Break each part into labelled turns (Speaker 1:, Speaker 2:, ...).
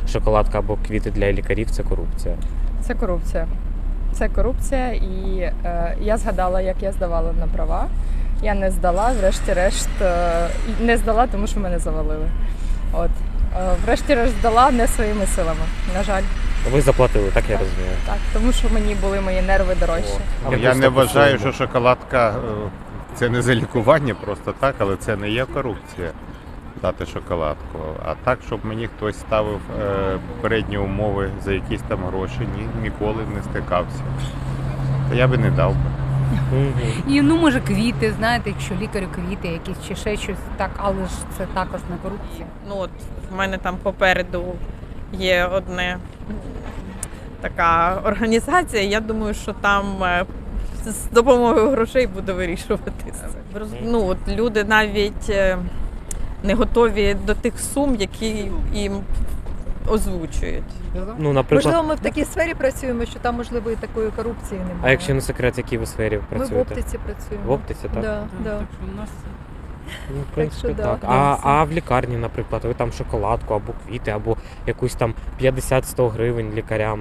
Speaker 1: шоколадка або квіти для лікарів – це корупція?
Speaker 2: Це корупція. Це корупція, і я згадала, як я здавала на права. Я не здала, врешті-решт, не здала, тому що мене завалили. От. Врешті-решт здала не своїми силами, на жаль.
Speaker 1: Ви заплатили, так я розумію?
Speaker 2: Так, тому що мені були мої нерви дорожчі.
Speaker 1: Якось
Speaker 3: Я не
Speaker 1: так
Speaker 3: вважаю,
Speaker 1: по-своєму.
Speaker 3: що шоколадка це не за лікування просто так, але це не є корупція дати шоколадку. А так, щоб мені хтось ставив передні умови за якісь там гроші, ніколи не стикався. Та я би не дав би.
Speaker 4: І ну може квіти, знаєте, якщо лікарю квіти якісь чи ще щось, так, але ж це також не корупція.
Speaker 5: Ну от в мене там попереду є одна така організація. Я думаю, що там з допомогою грошей буде вирішуватися. Ну от люди навіть не готові до тих сум, які їм озвучують.
Speaker 1: Ну, наприклад,
Speaker 6: Можливо, ми в такій сфері працюємо, що там, можливо, і такої корупції немає.
Speaker 1: а якщо не секрет, в якій ви сфері
Speaker 6: Ми
Speaker 1: працюєте?
Speaker 6: в оптиці працюємо.
Speaker 1: В оптиці, так?
Speaker 6: Да, да.
Speaker 1: Ну, в принципі,
Speaker 6: що
Speaker 1: так.
Speaker 6: да,
Speaker 1: А в лікарні, наприклад, ви там шоколадку або квіти, або якусь там 50-100 гривень лікарям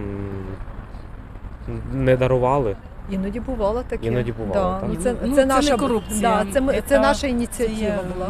Speaker 1: не дарували?
Speaker 6: Іноді бувало таке.
Speaker 1: Іноді бувало,
Speaker 6: Да.
Speaker 1: так?
Speaker 6: Ну, це
Speaker 4: це
Speaker 6: наша
Speaker 4: не корупція.
Speaker 6: Да, це наша ініціатива була.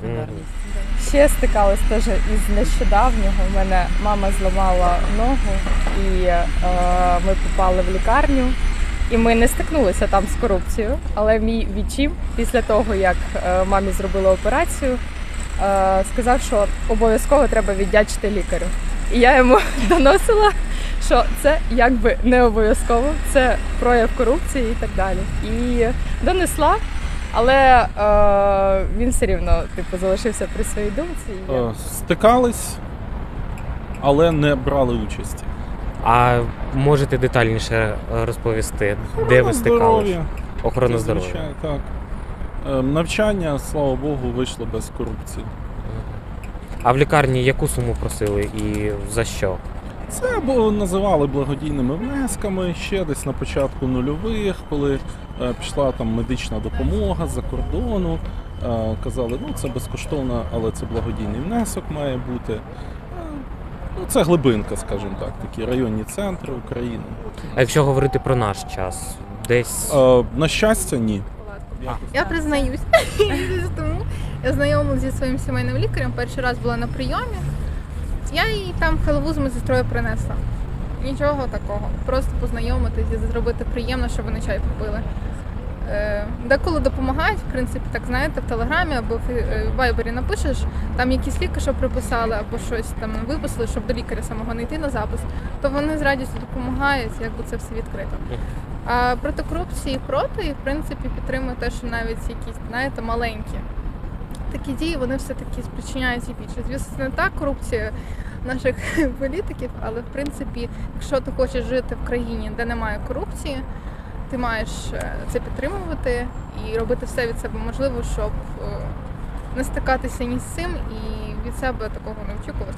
Speaker 2: Ще стикалась теж із нещодавнього. У мене мама зламала ногу, і ми попали в лікарню. І ми не стикнулися там з корупцією, але мій відчим після того, як мамі зробили операцію, сказав, що обов'язково треба віддячити лікарю. І я йому доносила, що це якби не обов'язково, це прояв корупції і так далі. І донесла, але він все рівно залишився при своїй думці. І я...
Speaker 7: Стикались, але не брали участі.
Speaker 1: А можете детальніше розповісти, де ви стикалися? Охорона
Speaker 7: Це
Speaker 1: здоров'я.
Speaker 7: звичайно, так. Навчання, слава Богу, вийшло без корупції.
Speaker 1: А в лікарні яку суму просили і за що?
Speaker 7: Це називали благодійними внесками ще десь на початку нульових, коли пішла там медична допомога з-за кордону. Казали, ну це безкоштовно, але це благодійний внесок має бути. Ну, це глибинка, скажімо так, такі районні центри України.
Speaker 1: А якщо говорити про наш час, десь
Speaker 7: На щастя, ні.
Speaker 8: Я признаюсь, тому я знайомилася зі своїм сімейним лікарем, перший раз була на прийомі. Я їй там халву з медсестрою принесла. Нічого такого. Просто познайомитися, зробити приємно, щоб вони чай попили. Деколи допомагають, в принципі, так знаєте, в Телеграмі або в Вайбері напишеш, там якісь ліки, що приписали, або щось там виписали, щоб до лікаря самого не йти на запис, то вони з радістю допомагають, якби це все відкрито. А проти корупції проти, і в принципі підтримує те, що навіть якісь, знаєте, маленькі такі дії, вони все-таки спричиняють і більше. Звісно, не та корупція наших політиків, але в принципі, якщо ти хочеш жити в країні, де немає корупції, ти маєш це підтримувати і робити все від себе можливе, щоб не стикатися ні з цим і від себе такого не очікувати.